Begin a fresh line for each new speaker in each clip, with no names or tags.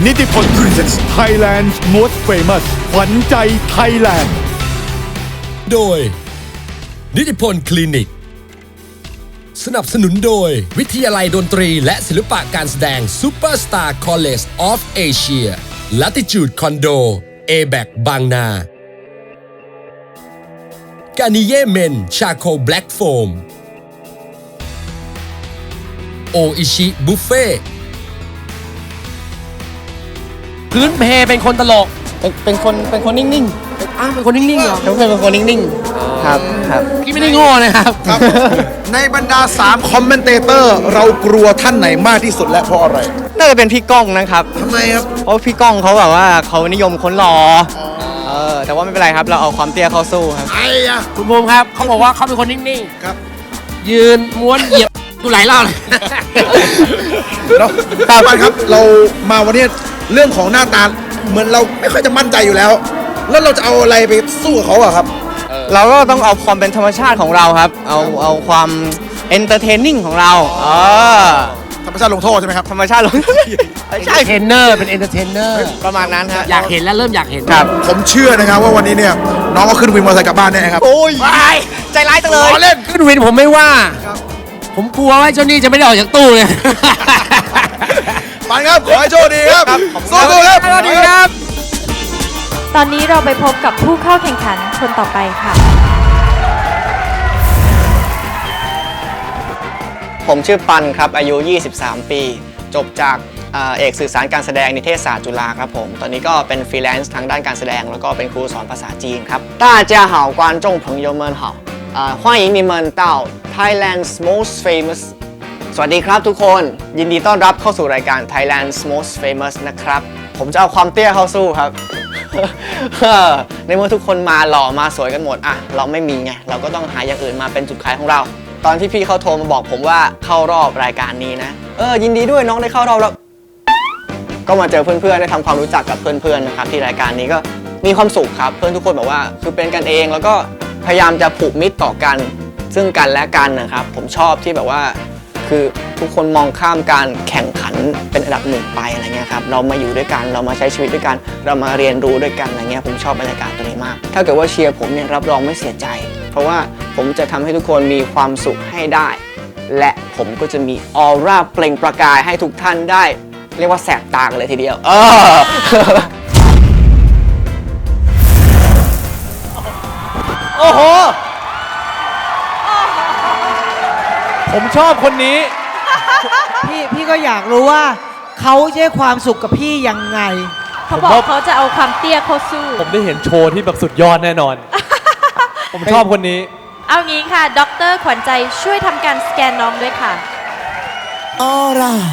นิติพล Presents Thailand's Most Famous ขวัญใจไทยแลนด์
โดยนิติพลคลินิกสนับสนุนโดยวิทยาลัยดนตรีและศิลปะการแสดง Superstar College of Asia Latitude Condo A-Back บางนา Garnier Men Charcoal Black Foam โออิชิบุฟเฟ่
พื้นเพเป็นคนตลก
เป็นคนนิ่งๆ
เป็นคนนิ่งๆเหรอ
เป็นคนนิ่งๆครับ
พี่ไม่ได้โง่นะครับ
ในบรรดา3คอมเมนเตเตอร์เรากลัวท่านไหนมากที่สุดและเพราะอะไร
น่าจะเป็นพี่ก้องนะครับ
ทำไมครับ
เพราะพี่ก้องเขาแบบว่าเขานิยมคนหล่อแต่ว่าไม่เป็นไรครับเราเอาความเตี้ยเข้าสู้ครับ
คุณภูมิครับเขาบอกว่าเขาเป็นคนนิ่งๆ
ครับ
ยืนม้วนเหยียบดูหลายรอบเลย
ครับเรามาวันนี้เรื่องของหน้าตาเหมือนเราไม่ค่อยจะมั่นใจอยู่แล้วเราจะเอาอะไรไปสู้กับเขาอะครับ
เราก็ต้องเอาความเป็นธรรมชาติของเราครับเอาความเอนเตอร์เทนนิ่งของเรา
ธรรมชาติลงโทษใช่ไหมครับ
ธรรมชาติลง
ใช่เทรนเนอร์เป็นเอนเตอร์เทนเนอร์
ประมาณนั้นครับ
อยากเห็นแล้วเริ่มอยากเห็น
ครับผมเชื่อนะครับว่าวันนี้เนี่ยน้องก็ขึ้นวินมอเตอร์ไซค์กลับบ้านแน่ครับ
โอ้ยใจร้ายจังเลย
เล่น
ขึ้นวินผมไม่ว่าผมกลัวว่าเจ้านี่จะไม่ได้ออกจากตู้เลย
ปันครับขอให้โชคดีครับสู้ๆครับ
สวัสดีครับ
ตอนนี้เราไปพบกับผู้เข้าแข่งขันคนต่อไปค่ะ
ผมชื่อปันครับอายุ23ปีจบจากเอกสื่อสารการแสดงนิเทศศาสตร์จุฬาครับผมตอนนี้ก็เป็นฟรีแลนซ์ทางด้านการแสดงแล้วก็เป็นครูสอนภาษาจีนครับ大家好观众朋友们好欢迎你们到 Thailand's Most Famous สวัสดีครับทุกคนยินดีต้อนรับเข้าสู่รายการ Thailand's Most Famous นะครับผมจะเอาความเตี้ยเข้าสู้ครับ ในเมื่อทุกคนมาหล่อมาสวยกันหมดเราไม่มีไงเราก็ต้องหาอย่างอื่นมาเป็นจุดขายของเราตอนที่พี่เขาโทรมาบอกผมว่าเข้ารอบรายการนี้นะยินดีด้วยน้องได้เข้ารอบแล้วก็มาเจอเพื่อนๆได้ทำความรู้จักกับเพื่อนๆนะครับที่รายการนี้ก็มีความสุขครับเพื่อนทุกคนบอกว่าคือเป็นกันเองแล้วก็พยายามจะผูกมิตรต่อกันซึ่งกันและกันนะครับผมชอบที่แบบว่าคือทุกคนมองข้ามการแข่งขันเป็นอันดับหนึ่งไปอะไรเงี้ยครับเรามาอยู่ด้วยกันเรามาใช้ชีวิตด้วยกันเรามาเรียนรู้ด้วยกันอะไรเงี้ยผมชอบบรรยากาศตัวนี้มากถ้าเกิดว่าเชียร์ผมเนี่ยรับรองไม่เสียใจเพราะว่าผมจะทำให้ทุกคนมีความสุขให้ได้และผมก็จะมีออร่าเปล่งประกายให้ทุกท่านได้เรียกว่าแสบตากันเลยทีเดียว
โอ้โหผมชอบคนนี้
พี่ก็อยากรู้ว่าเขาจะให้ความสุขกับพี่ยังไง
เขาบอกเขาจะเอาความเตี้ยเข้าสู้
ผมได้เห็นโชว์ที่แบบสุดยอดแน่นอน ผมชอบคนนี้
เอางี้ค่ะดร.ขวัญใจช่วยทำการสแกนน้องด้วยค่ะ
ออ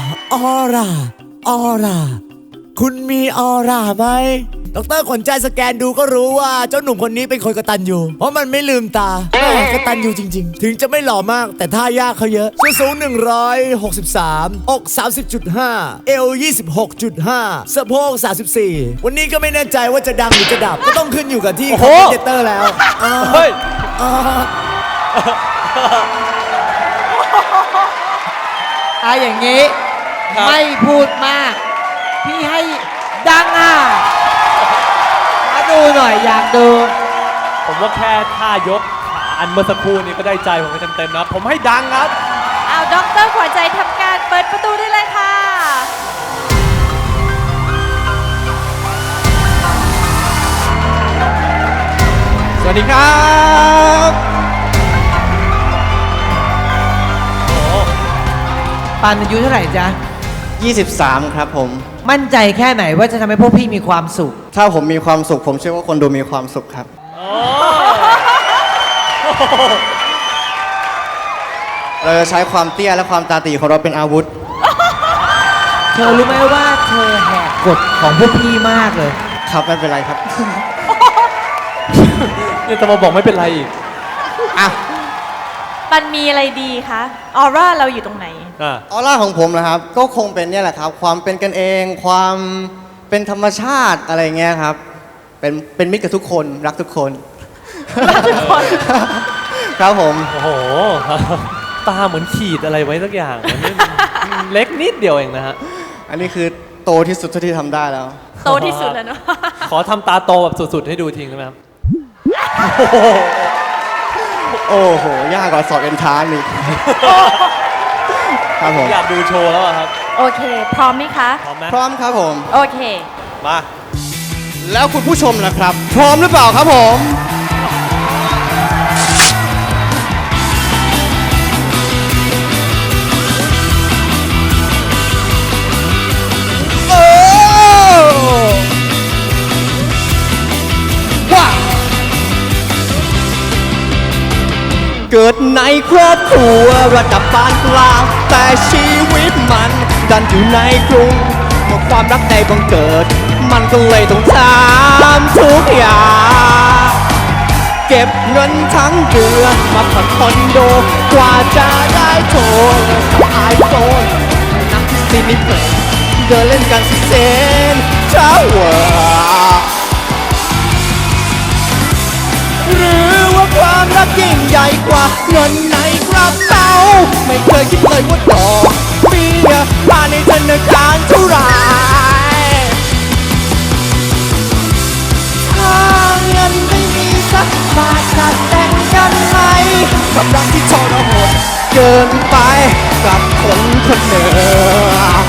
ร่าคุณมีออร่าไหมดร.ขวัญใจสแกนดูก็รู้ว่าเจ้าหนุ่มคนนี้เป็นคนกตัญญูเพราะมันไม่ลืมตากตัญญูจริงๆถึงจะไม่หล่อมากแต่ท่ายากเขาเยอะสูง163อก30.5เอว26.5สะโพก34วันนี้ก็ไม่แน่ใจว่าจะดังหรือจะดับก็ต้องขึ้นอยู่กับที่คอมเมนเตอร์แล้ว
เฮ้ย
อย่างนี้ไม่พูดมากพี่ให้ดังมาดูหน่อยอยากดู
ผมว่าแค่ท่ายกขาอันเมื่อสักครู่นี้ก็ได้ใจผมไปเต็มๆนะผมให้ดังครับ
เอาดร.ขวัญใจทำการเปิดประตูได้เลยค่ะ
สวัสดีครับ
ปันอายุเท่าไหร่จ๊ะ
23ครับผม
มั่นใจแค่ไหนว่าจะทำให้พวกพี่มีความสุข
ถ้าผมมีความสุขผมเชื่อว่าคนดูมีความสุขครับเราจะใช้ความเตี้ยและความตาตีของเราเป็นอาวุธ
เธอรู้ไหมว่าเธอแหกกฎของพวกพี่มากเลย
ครับไม่เป็นไรครับ
นี่จะมาบอกไม่เป็นไรอีก
มันมีอะไรดีคะออร่าเราอยู่ตรงไหน
ออร่าของผมนะครับก็คงเป็นเนี่ยแหละครับความเป็นกันเองความเป็นธรรมชาติอะไรเงี้ยครับเป็นมิตรกับทุกคนรักทุกคนครับผม
โอ้โหตาเหมือนขีดอะไรไว้สักอย่างเล็กนิดเดียวเองนะฮะ
อันนี้คือโ
โตที่สุดเท่าที่ทำได้แล้ว
โตที่สุดแล้วเนาะ
ขอทำตาโตแบบสุดๆให้ดูทิ้งได้ไหมครับ
โอ้โห ยากกว่าสอบเอ็นทานอีกครับผม
อยากดูโชว์แล้วอะครับ
โอเค พร้อมไหมคะ
พร้อมไหม
พร้อมครับผม
โอเค
มา
แล้วคุณผู้ชมล่ะครับ พร้อมหรือเปล่าครับผม โอ้ว้าวเกิดในครอบครัวระดับปานกลาง แต่ชีวิตมันดันอยู่ในกรุงเมื่อความรักในบังเกิด มันก็เลยต้องทำทุกอย่างเก็บเงินทั้งเดือนมาผ่อนคอนโด กว่าจะได้โทรศัพท์ไอโฟนนั่งที่ซีนิเพลย์เดินเล่นกันที่เซนทรัลเวิลด์หรือว่าความรักยิ่งใหญ่กว่าเงินในกระเป๋าไม่เคยคิดเลยว่าดอกเบี้ยผ่านในธนาคารเท่าไหร่ถ้าเงินไม่มีสักบาทจะแต่งกันไหมกับรักที่ทรหดเกินไปกับคนคนหนึ่ง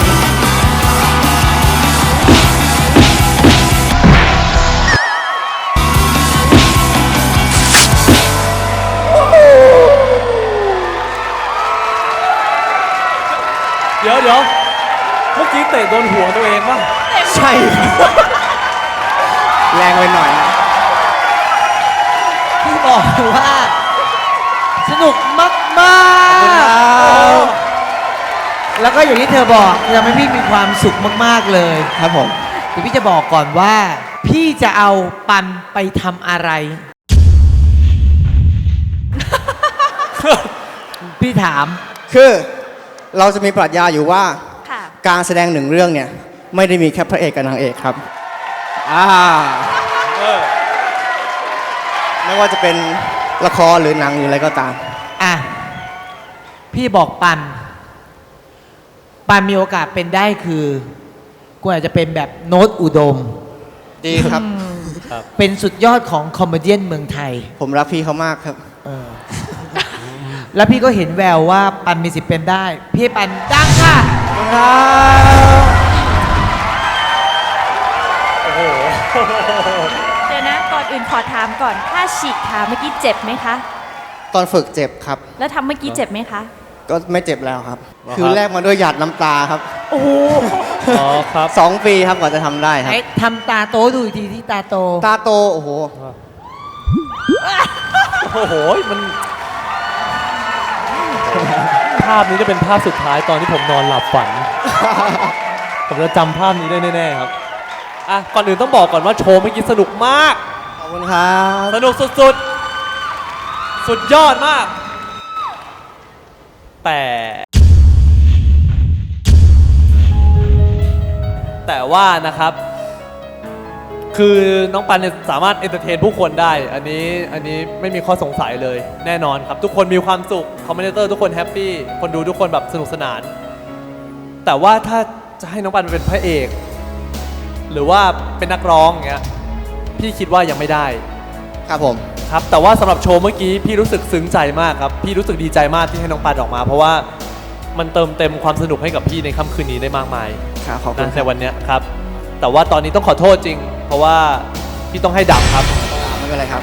เดี๋ยวเมื่อกี้เตะโดนหัวตัวเองป่ะ
ใช่ครับแรงไปหน่อยนะ
พี่บอกเลยว่า สนุกมาก ๆ แล้วก็อย่างที่เธอบอกทำให้พี่มีความสุขมาก ๆ เลย
ครับผม
เดี๋ยวพี่จะบอกก่อนว่า พี่จะเอาปันไปทำอะไร พี่ถาม
คือเราจะมีปรัชญาอยู่ว่า
ค่ะ
การแสดงหนึ่งเรื่องเนี่ย ไม่ได้มีแค่พระเอกกับนางเอกครับไม่ว่าจะเป็นละครหรือหนังหรืออะไรก็ตาม
อ่ะ พี่บอกปันมีโอกาสเป็นได้คือกูอาจจะเป็นแบบโน้ตอุดม
ดีครับ
เป็นสุดยอดของคอมเมเดี้เมืองไทย
ผมรักพี่เขามากครับ
แล้วพี่ก็เห็นแววว่าปันมีสิทธิ์เป็นได้ พี่ให้ปันดังค่ะ
เดี๋ยวนะ ก่อนอื่นขอถามก่อน ถ้าฉีกขาเมื่อกี้เจ็บไหมคะ
ตอนฝึกเจ็บครับ
แล้วทำเมื่อกี้เจ็บไหมคะ
ก็ไม่เจ็บแล้วครับ คือแลกมาด้วยหยาดน้ำตาครับ
โอ้โห
อ๋อครับ
2 ปีครับกว่าจะทำได้ครับ
ไอ้ทำตาโตดูอีกทีที่ตาโต
ตาโต โอ้โห
โอ้โห มัน ภาพนี้จะเป็นภาพสุดท้ายตอนที่ผมนอนหลับฝัน ผมจะจำภาพนี้ได้แน่ๆครับ อ่ะ ก่อนอื่นต้องบอกก่อนว่าโชว์เมื่อกี้สนุกมาก
ขอบคุณครับ
สนุกสุดๆ สุดยอดมาก แต่ว่านะครับ คือน้องปันเนี่ยสามารถเอนเตอร์เทนผู้คนได้ อันนี้ไม่มีข้อสงสัยเลย แน่นอนครับ ทุกคนมีความสุข คอมเมนเตอร์ทุกคนแฮปปี้ คนดูทุกคนแบบสนุกสนาน แต่ว่าถ้าจะให้น้องปันเป็นพระเอก หรือว่าเป็นนักร้องอย่างเงี้ย พี่คิดว่ายังไม่ได้
ครับผม
ครับแต่ว่าสำหรับโชว์เมื่อกี้พี่รู้สึกซึ้งใจมากครับพี่รู้สึกดีใจมากที่ให้น้องปันออกมา เพราะว่ามันเติมเต็มความสนุกให้กับพี่ในค่ำคืนนี้ได้มากมาย
ครับขอบคุณ
นะในวันเนี้ยครับแต่ว่าตอนนี้ต้องขอโทษจริง เพราะว่าพี่ต้องให้ดับครับ
ไม่เป็นไรครับ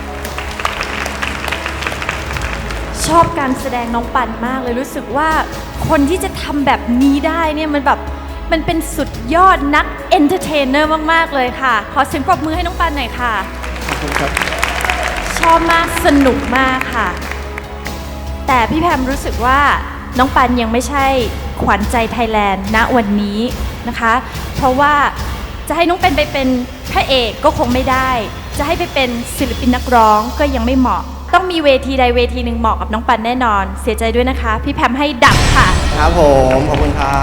ชอบการแสดงน้องปันมากเลยรู้สึกว่าคนที่จะทำแบบนี้ได้เนี่ยมันเป็นสุดยอดนักเอนเตอร์เทนเนอร์มากๆเลยค่ะ ขอเสียงปรบมือให้น้องปันหน่อยค่ะ
ขอบคุณครับ
ชอบมากสนุกมากค่ะ แต่พี่แพมรู้สึกว่าน้องปันยังไม่ใช่ขวัญใจไทยแลนด์ณวันนี้นะคะ เพราะว่าจะให้น้องเป็นไปเป็นพระเอกก็คงไม่ได้ จะให้ไปเป็นศิลปินนักร้องก็ยังไม่เหมาะ ต้องมีเวทีใดเวทีหนึ่งเหมาะกับน้องปันแน่นอน เสียใจด้วยนะคะ พี่แพมให้ดับค่ะ
ครับผม ขอบคุณครับ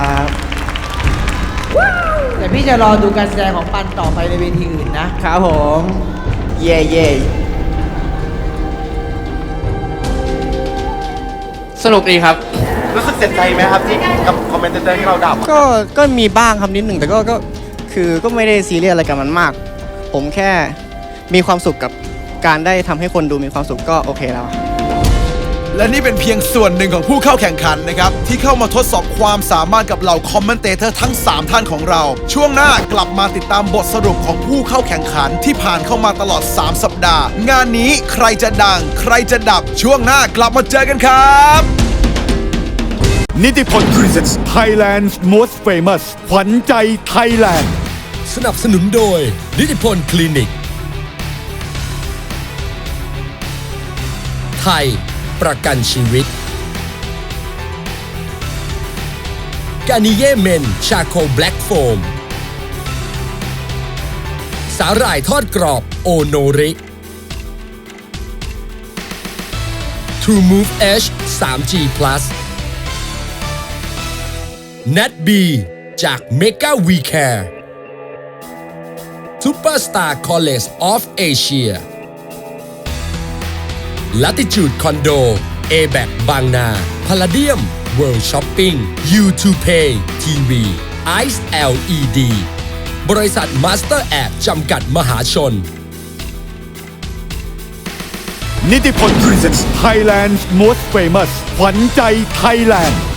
แต่พี่จะรอดูการแสดงของปันต่อไปในเวทีอื่นนะ
ครับผม เย่เย่สนุกดีครับ
รู้สึกเสียใจไหมครับที่กับคอมเมนเตอร์ที่เราด่า
ก็มีบ้างครับนิดหนึ่งแต่ก็ไม่ได้ซีเรียสอะไรกับมันมาก ผมแค่มีความสุขกับการได้ทำให้คนดูมีความสุขก็โอเคแล้ว
และนี่เป็นเพียงส่วนหนึ่งของผู้เข้าแข่งขันนะครับที่เข้ามาทดสอบความสามารถกับเหล่าคอมเมนเตเตอร์ทั้ง 3 ท่านของเรา ช่วงหน้ากลับมาติดตามบทสรุปของผู้เข้าแข่งขันที่ผ่านเข้ามาตลอด 3 สัปดาห์ งานนี้ใครจะดัง ใครจะดับช่วงหน้ากลับมาเจอกันครับ
นิติพล Presents Thailand's Most Famous ขวัญใจไทยแลนด์
สนับสนุนโดยนิติพลคลินิก ไทยประกันชีวิต กานิเย่เมนชาโคแบล็กโฟม สาหร่ายทอดกรอบโอโนริ True Move H 3G Plus Nat B จาก Mega We Care Superstar College of Asia Latitude Condo A-Back บางนา Palladium World Shopping U2Pay TV Ice LED บริษัท Master App จำกัดมหาชน
นิติพล Presents Thailand's Most Famous ขวัญใจไทยแลนด์